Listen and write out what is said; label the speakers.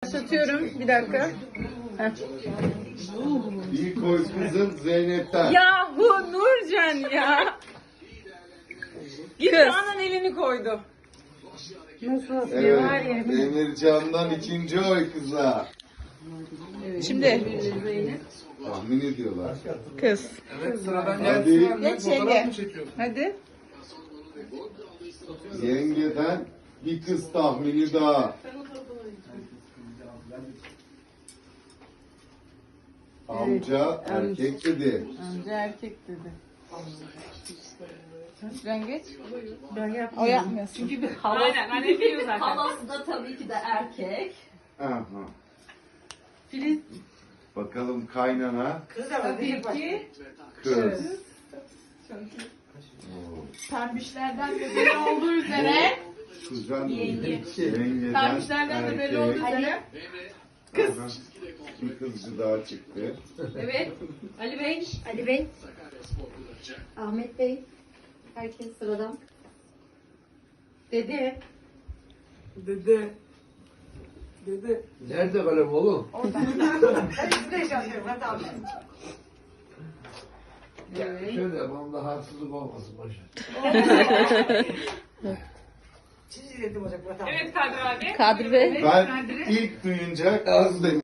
Speaker 1: Başlatıyorum. Bir dakika. Heh.
Speaker 2: İlk oy kızım Zeynep'ten.
Speaker 1: Yahu Nurcan ya. Gülşah'ın elini koydu.
Speaker 2: Evet. Emircan'dan ikinci oy kıza.
Speaker 1: Şimdi
Speaker 2: Tahmin ediyorlar.
Speaker 1: kız.
Speaker 3: Evet, sıradan
Speaker 2: Hadi.
Speaker 3: gelsin.
Speaker 1: Geç yenge. Hadi.
Speaker 2: Yengeden bir kız tahmini daha. Amca erkek dedi.
Speaker 1: Amca erkek dedi. Nurcan geç. O yapmıyorsun. Çünkü bir hava.
Speaker 4: Aynen anne biliyor zaten.
Speaker 5: Halası da tabii ki de erkek.
Speaker 2: Aha.
Speaker 1: Filiz.
Speaker 2: Bakalım kaynana
Speaker 1: Tabii ki.
Speaker 2: kız.
Speaker 4: Pembişlerden de belli olduğu üzere.
Speaker 2: Kuzen
Speaker 5: Yenge.
Speaker 2: yengeden
Speaker 4: Pembişlerden de belli olduğu
Speaker 2: erkek.
Speaker 4: üzere.
Speaker 2: Kız. Bir kızcı daha çıktı.
Speaker 4: Evet. Ali Bey.
Speaker 5: Ali Bey. Ahmet Bey. Herkes sıradan. Dede.
Speaker 3: Dede. Nerede kalem oğlum? Ya şöyle yapalım da haksızlık olmasın başa.
Speaker 4: Evet Kadir abi.
Speaker 1: Kadir Bey.
Speaker 2: Ben ilk duyunca kız dedim.